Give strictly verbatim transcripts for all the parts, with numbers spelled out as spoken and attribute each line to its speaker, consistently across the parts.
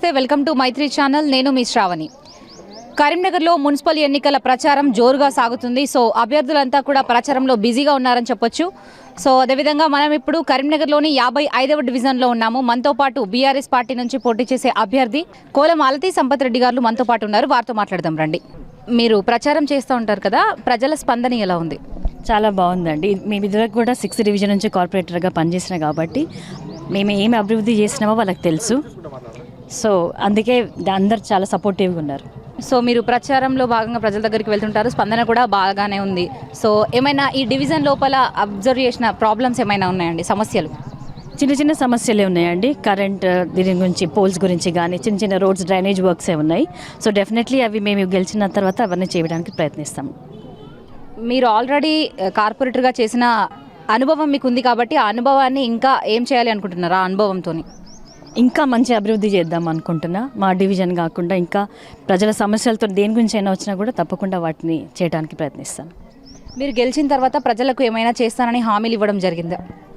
Speaker 1: నమస్తే, welcome to Mythri channel. నేను మీ శ్రావణి. కరీంనగర్లో మున్సిపల్ ఎన్నికల ప్రచారం జోరుగా సాగుతుంది. సో అభ్యర్థులంతా కూడా ప్రచారంలో బిజీగా ఉన్నారని చెప్పొచ్చు. సో అదేవిధంగా మనం ఇప్పుడు కరీంనగర్లోని యాభై ఐదవ డివిజన్లో ఉన్నాము. మనతో పాటు బీఆర్ఎస్ పార్టీ నుంచి పోటీ చేసే అభ్యర్థి కోల మాలతి సంపత్ రెడ్డి గారు మనతో పాటు ఉన్నారు. వారితో మాట్లాడదాం రండి. మీరు ప్రచారం చేస్తూ ఉంటారు కదా, ప్రజల స్పందన ఎలా ఉంది?
Speaker 2: చాలా బాగుందండి. మేము ఇదివరకు కూడా సిక్స్త్ డివిజన్ నుంచి కార్పొరేటర్గా పనిచేసిన కాబట్టి మేము ఏమి అభివృద్ధి చేసినామో వాళ్ళకి తెలుసు. సో అందుకే అందరు చాలా సపోర్టివ్గా ఉన్నారు.
Speaker 1: సో మీరు ప్రచారంలో భాగంగా ప్రజల దగ్గరికి వెళ్తుంటారు, స్పందన కూడా బాగానే ఉంది. సో ఏమైనా ఈ డివిజన్ లోపల అబ్జర్వ్ చేసిన ప్రాబ్లమ్స్ ఏమైనా ఉన్నాయండి, సమస్యలు?
Speaker 2: చిన్న చిన్న సమస్యలే ఉన్నాయండి. కరెంట్ దీని గురించి, పోల్స్ గురించి కానీ చిన్న చిన్న రోడ్స్, డ్రైనేజ్ వర్క్సే ఉన్నాయి. సో డెఫినెట్లీ అవి మేము గెలిచిన తర్వాత అవన్నీ చేయడానికి ప్రయత్నిస్తాం.
Speaker 1: మీరు ఆల్రెడీ కార్పొరేటర్గా చేసిన అనుభవం మీకు ఉంది కాబట్టి ఆ అనుభవాన్ని ఇంకా ఏం చేయాలి అనుకుంటున్నారు? ఆ అనుభవంతో
Speaker 2: ఇంకా మంచి అభివృద్ధి చేద్దాం అనుకుంటున్నా. మా డివిజన్ కాకుండా ఇంకా ప్రజల సమస్యలతో దేని గురించి అయినా వచ్చినా కూడా తప్పకుండా వాటిని చేయడానికి ప్రయత్నిస్తాను.
Speaker 1: మీరు గెలిచిన తర్వాత ప్రజలకు ఏమైనా చేస్తానని హామీలు ఇవ్వడం జరిగిందా?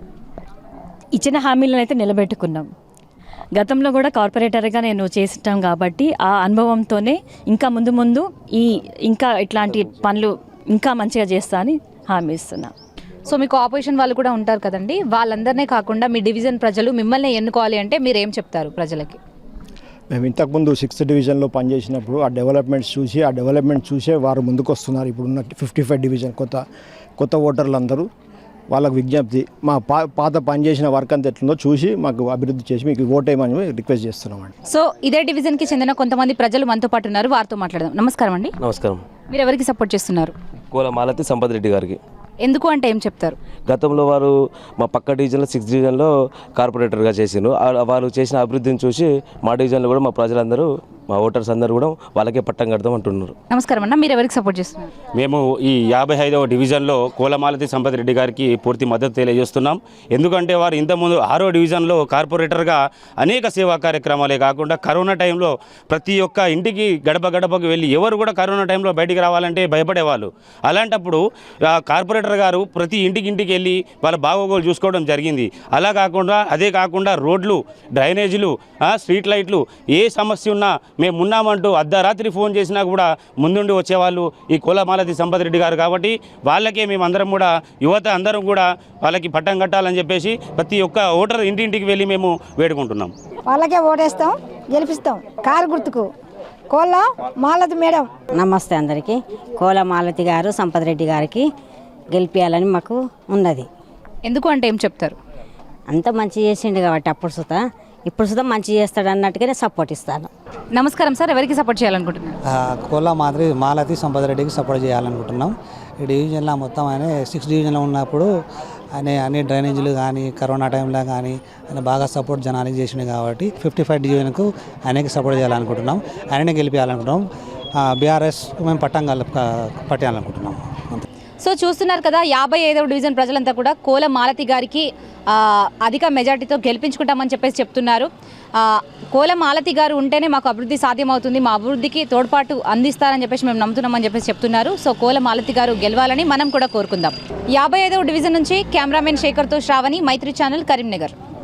Speaker 2: ఇచ్చిన హామీలను అయితే నిలబెట్టుకున్నాం. గతంలో కూడా కార్పొరేటర్గా నేను చేసిటాం కాబట్టి ఆ అనుభవంతోనే ఇంకా ముందు ముందు ఈ ఇంకా ఇట్లాంటి పనులు ఇంకా మంచిగా చేస్తా అని హామీ ఇస్తున్నా.
Speaker 1: సో మీకు ఆపోజిషన్ వాళ్ళు కూడా ఉంటారు కదండి, వాళ్ళందరినీ కాకుండా మీ డివిజన్ ప్రజలు మిమ్మల్ని ఎన్నుకోవాలి అంటే మీరు ఏం చెప్తారు ప్రజలకి?
Speaker 3: మేము ఇంతకుముందు సిక్స్త్ డివిజన్లో పనిచేసినప్పుడు ఆ డెవలప్మెంట్స్ చూసి ఆ డెవలప్మెంట్ చూసే వారు ముందుకు వస్తున్నారు. ఇప్పుడున్న ఫిఫ్టీ ఫైవ్ డివిజన్ కొత్త కొత్త ఓటర్లు అందరూ వాళ్ళకు విజ్ఞప్తి, మా పా పాత పనిచేసిన వర్క్ అంతా ఎట్లుందో చూసి మాకు అభివృద్ధి చేసి మీకు ఓటేయమని రిక్వెస్ట్ చేస్తున్నామండి.
Speaker 1: సో ఇదే డివిజన్కి చెందిన కొంతమంది ప్రజలు మనతో పాటు ఉన్నారు, వారితో మాట్లాడదాం. నమస్కారం అండి.
Speaker 4: నమస్కారం.
Speaker 1: మీరు ఎవరికి సపోర్ట్ చేస్తున్నారు?
Speaker 4: కోల మాలతి సంపత్ రెడ్డి గారికి.
Speaker 1: ఎందుకు అంటే ఏం చెప్తారు?
Speaker 4: గతంలో వారు మా పక్క డివిజన్లో సిక్స్త్ డివిజన్లో కార్పొరేటర్గా చేసిండ్రు. వారు చేసిన అభివృద్ధిని చూసి మా డివిజన్లో కూడా మా ప్రజలందరూ, మా ఓటర్స్ అందరూ కూడా వాళ్ళకే పట్టం కడతాం అంటున్నారు.
Speaker 1: నమస్కారం అన్న, మీరు ఎవరికి సపోర్ట్ చేస్తున్నారు?
Speaker 5: మేము ఈ యాభై ఐదవ డివిజన్లో కోలమాలతి సంపత్ రెడ్డి గారికి పూర్తి మద్దతు తెలియజేస్తున్నాం. ఎందుకంటే వారు ఇంతకుముందు ఆరో డివిజన్లో కార్పొరేటర్గా అనేక సేవా కార్యక్రమాలే కాకుండా కరోనా టైంలో ప్రతి ఒక్క ఇంటికి గడప గడపకు వెళ్ళి ఎవరు కూడా కరోనా టైంలో బయటికి రావాలంటే భయపడేవాళ్ళు. అలాంటప్పుడు కార్పొరేటర్ గారు ప్రతి ఇంటికి ఇంటికి వెళ్ళి వాళ్ళ బాగోగులు చూసుకోవడం జరిగింది. అలా కాకుండా అదే కాకుండా రోడ్లు, డ్రైనేజీలు, స్ట్రీట్ లైట్లు, ఏ సమస్య ఉన్నా మేము ఉన్నామంటూ అర్ధరాత్రి ఫోన్ చేసినా కూడా ముందుండి వచ్చేవాళ్ళు ఈ కోలమాలతి సంపత్ రెడ్డి గారు. కాబట్టి వాళ్ళకే మేము అందరం కూడా, యువత అందరం కూడా వాళ్ళకి పట్టం కట్టాలని చెప్పేసి ప్రతి ఒక్క ఓటర్ ఇంటింటికి వెళ్ళి మేము వేడుకుంటున్నాం.
Speaker 6: వాళ్ళకే ఓటేస్తాం, గెలిపిస్తాం. కారు గుర్తుకు కోల మాలతి మేడం.
Speaker 7: నమస్తే అందరికీ. కోల మాలతి గారు సంపత్ రెడ్డి గారికి గెలిపించాలని మాకు ఉన్నది.
Speaker 1: ఎందుకు అంటే ఏం చెప్తారు?
Speaker 7: అంత మంచి చేసిండు కాబట్టి అప్పుడు సుతా ఇప్పుడు సుతా మంచి చేస్తాడు అన్నట్టుగానే సపోర్ట్ ఇస్తాను.
Speaker 1: నమస్కారం సార్, ఎవరికి సపోర్ట్ చేయాలనుకుంటున్నారు?
Speaker 8: కోల మాదిరి మాలతి సంపత్ రెడ్డికి సపోర్ట్ చేయాలనుకుంటున్నాం. ఈ డివిజన్లో మొత్తం ఆయన సిక్స్ డివిజన్లో ఉన్నప్పుడు ఆయన అన్ని డ్రైనేజీలు కానీ కరోనా టైంలో కానీ ఆయన బాగా సపోర్ట్ జనానికి చేసిండు కాబట్టి ఫిఫ్టీ ఫైవ్ డివిజన్కు ఆయనకి సపోర్ట్ చేయాలనుకుంటున్నాం. ఆయననే గెలిపించాలనుకుంటున్నాం. బీఆర్ఎస్ మేము పట్టం పట్టాలనుకుంటున్నాం.
Speaker 1: సో చూస్తున్నారు కదా, యాభై ఐదవ డివిజన్ ప్రజలంతా కూడా కోల మాలతి గారికి అధిక మెజార్టీతో గెలిపించుకుంటామని చెప్పేసి చెప్తున్నారు. కోల మాలతి గారు ఉంటేనే మాకు అభివృద్ధి సాధ్యమవుతుంది, మా అభివృద్ధికి తోడ్పాటు అందిస్తారని చెప్పేసి మేము నమ్ముతున్నామని చెప్పేసి చెప్తున్నారు. సో కోల మాలతి గారు గెలవాలని మనం కూడా కోరుకుందాం. యాభై ఐదవ డివిజన్ నుంచి కెమెరామెన్ శేఖర్తో శ్రావణి, మైత్రి ఛానల్, కరీంనగర్.